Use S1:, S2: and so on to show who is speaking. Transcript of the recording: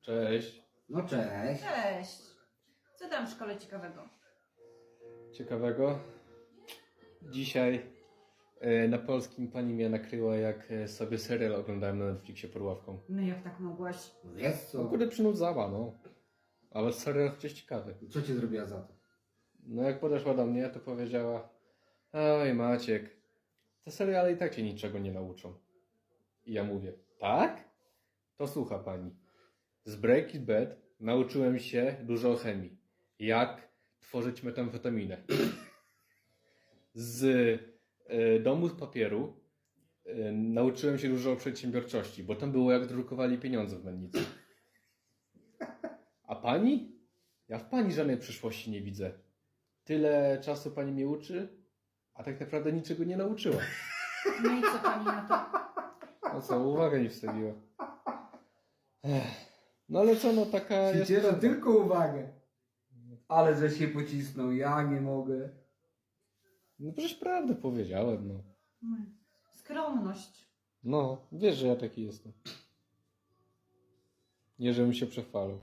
S1: Cześć.
S2: No cześć.
S3: Cześć. Co tam w szkole ciekawego?
S1: Ciekawego? Dzisiaj na polskim pani mnie nakryła, jak sobie serial oglądałem na Netflixie pod ławką.
S3: No jak tak mogłaś?
S2: Wiesz
S1: No
S2: co?
S1: kurde, przynudzała, no. Ale serial chociaż ciekawy.
S2: Co ci zrobiła za to?
S1: No jak podeszła do mnie, to powiedziała: oj Maciek, te seriale i tak cię niczego nie nauczą. I ja mówię: tak? To słucha pani. Z Breaking Bad nauczyłem się dużo o chemii. Jak tworzyć metamfetaminę. Z Domu z papieru nauczyłem się dużo o przedsiębiorczości, bo tam było jak drukowali pieniądze w mennicy. A pani? Ja w pani żadnej przyszłości nie widzę. Tyle czasu pani mnie uczy, a tak naprawdę niczego nie nauczyła.
S3: No i co pani na to?
S1: No co, uwagę mi wstawiła. No ale co, no taka jest...
S2: Ćwicieram tylko uwagę. Ale że się pocisnął, ja nie mogę.
S1: No przecież prawdę powiedziałem, no.
S3: Skromność.
S1: No, wiesz, że ja taki jestem. Nie, żebym się przechwalał.